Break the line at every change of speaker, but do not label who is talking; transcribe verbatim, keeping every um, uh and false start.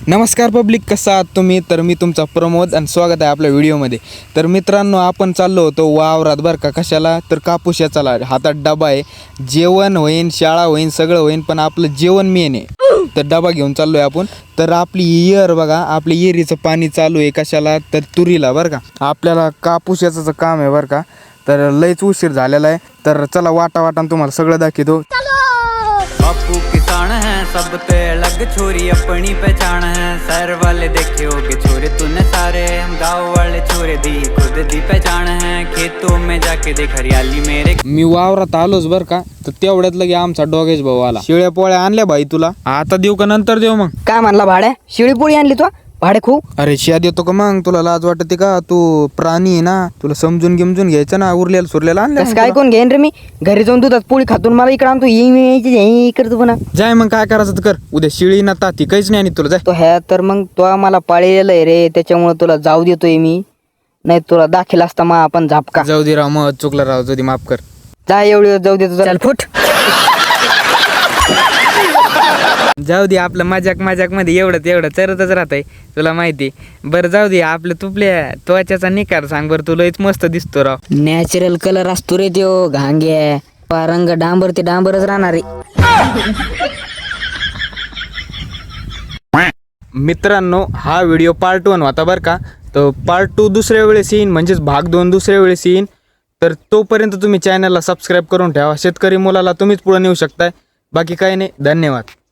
नमस्कार पब्लिक, कसा आहात तुम्ही? तर मी तुमचा प्रमोद आणि स्वागत आहे आपल्या व्हिडिओमध्ये. तर मित्रांनो, आपण चाललो होतो वावरात बरं का. कशाला? तर कापूस याचाला. हातात डबा आहे, जेवण होईन, शाळा होईन, सगळं होईन, पण आपलं जेवण मेन आहे. तर डबा घेऊन चाललो आहे आपण. तर आपली इयर बघा, आपली इयरीचं पाणी चालू आहे. कशाला? तर तुरीला बरं का. आपल्याला कापूस याचं काम आहे बरं का. तर लयच उशीर झालेला आहे. तर चला वाटा वाटान तुम्हाला सगळं दाखवतो.
बापू किसान है सब पे अलग छोरी अपनी पहचान है। शहर वाले देखे होगे छोरे तूने सारे, हम गाँव वाले छोरे दी खुद दी पहचान है। खेतों में जाके देख हरियाली मेरे।
मी वावरात आलोच बर का. तर तेवढ्यात लगे आमचा डोगेश भाऊ आला. शिळ्या पोळ्या आणल्या भाई तुला? आता देऊ का नंतर देऊ मग?
काय म्हणला भाड्या? शिळी पोळी आणली तू भाडे खूप?
अरे शिया देतो का मग? तुला लाज वाटते का? तू प्राणी आहे ना, तुला समजून गिमजून घ्यायचं ना. उरलेला सुरलेला आणलं
कसं काय कोण घेईन रे? मी घरी जाऊन दुधात पोळी खातून मला इकडे आणतो. येई करतो पुन्हा.
जाय मग, काय करायचं तर कर. उद्या शिळी ना ताती काहीच नाही आणि तुला जाय.
तो ह्या तर मग तो मला पाळलेलं आहे रे, त्याच्यामुळे तुला जाऊ देतोय मी. नाही तुला दाखल असता मग आपण झापका.
जाऊ दे राव, मग चुकला राव, जाऊ दे, माफ कर.
जा एवढी जाऊ देतो. चल फुट.
जाऊ दे, आपलं मजाक मजाक मध्ये एवढं तेवढं चरतच राहतंय, तुला माहिती. बरं जाऊ दे, आपलं तुपल्या त्वचाचा निकार सांग बरं. तुला लयच मस्त दिसतो राव.
नॅचरल कलर असतो रे त्यो घांगे. रंग डांबर ते डांबरच राहणार रे.
मित्रांनो, हा व्हिडिओ पार्ट वन होता बरं का. तर पार्ट टू दुसऱ्या वेळेस येईन, म्हणजेच भाग दोन दुसऱ्या वेळेस येईन. तर तोपर्यंत तुम्ही चॅनलला सबस्क्राईब करून ठेवा. शेतकरी मुलाला तुम्हीच पुढे नेऊ शकताय. बाकी काही नाही. धन्यवाद.